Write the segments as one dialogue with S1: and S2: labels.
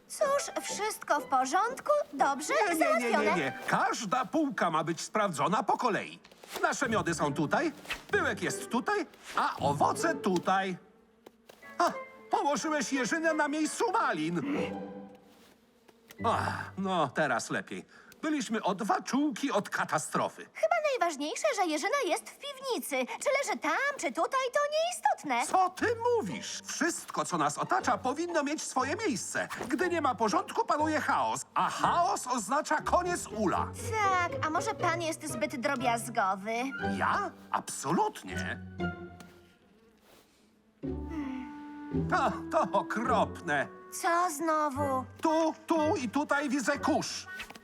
S1: Cóż, wszystko w porządku, dobrze, załatwione.
S2: Nie. Każda półka ma być sprawdzona po kolei. Nasze miody są tutaj, pyłek jest tutaj, a owoce tutaj. A, położyłeś jeżynę na miejscu malin. No, teraz lepiej. Byliśmy o 2 czułki od katastrofy.
S1: Chyba najważniejsze, że Jerzyna jest w piwnicy. Czy leży tam, czy tutaj, to nieistotne.
S2: Co ty mówisz? Wszystko, co nas otacza, powinno mieć swoje miejsce. Gdy nie ma porządku, panuje chaos, a chaos oznacza koniec ula.
S1: Tak, a może pan jest zbyt drobiazgowy?
S2: Ja? Absolutnie. To okropne.
S1: Co znowu?
S2: Tu i tutaj widzę kurz.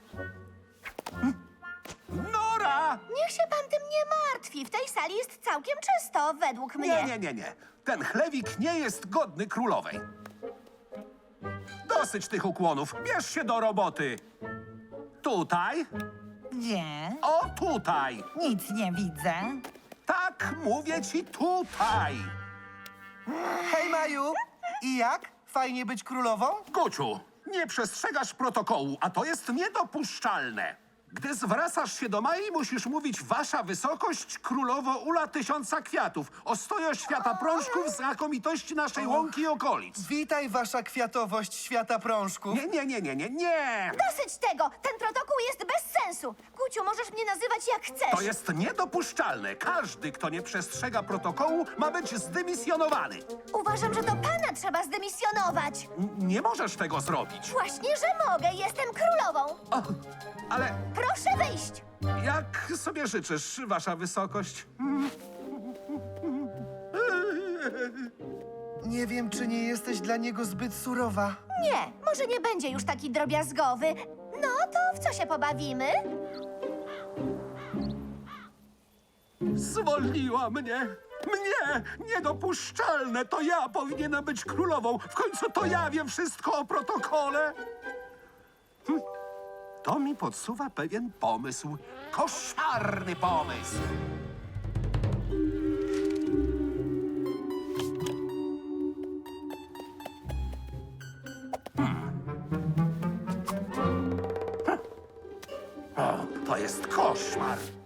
S2: Nora!
S1: Niech się pan tym nie martwi. W tej sali jest całkiem czysto, według mnie.
S2: Nie. Ten chlewik nie jest godny królowej. Dosyć tych ukłonów. Bierz się do roboty. Tutaj.
S3: Nie,
S2: O, tutaj.
S3: nic nie widzę.
S2: Tak, mówię ci tutaj.
S4: Hej, Maju! I jak? Fajnie być królową?
S2: Guciu, nie przestrzegasz protokołu, a to jest niedopuszczalne. Gdy zwracasz się do Mai, musisz mówić Wasza Wysokość Królowo Ula Tysiąca Kwiatów, ostojo świata prążków, znakomitości naszej łąki i okolic.
S4: Witaj, wasza kwiatowość świata prążków.
S2: Nie.
S1: Dosyć tego! Ten protokół jest bez sensu. Guciu, możesz mnie nazywać jak chcesz.
S2: To jest niedopuszczalne. Każdy, kto nie przestrzega protokołu, ma być zdymisjonowany.
S1: Uważam, że to pana trzeba zdymisjonować.
S2: Nie możesz tego zrobić.
S1: Właśnie, że mogę. Jestem królową.
S2: O, ale
S1: Proszę wyjść.
S2: jak sobie życzysz, Wasza Wysokość?
S4: Nie wiem, czy nie jesteś dla niego zbyt surowa.
S1: Nie, może nie będzie już taki drobiazgowy. No to w co się pobawimy?
S2: Zwolniła mnie! Mnie! Niedopuszczalne! To ja powinienem być królową! W końcu to ja wiem wszystko o protokole! To mi podsuwa pewien pomysł. Koszmarny pomysł! O, to jest koszmar!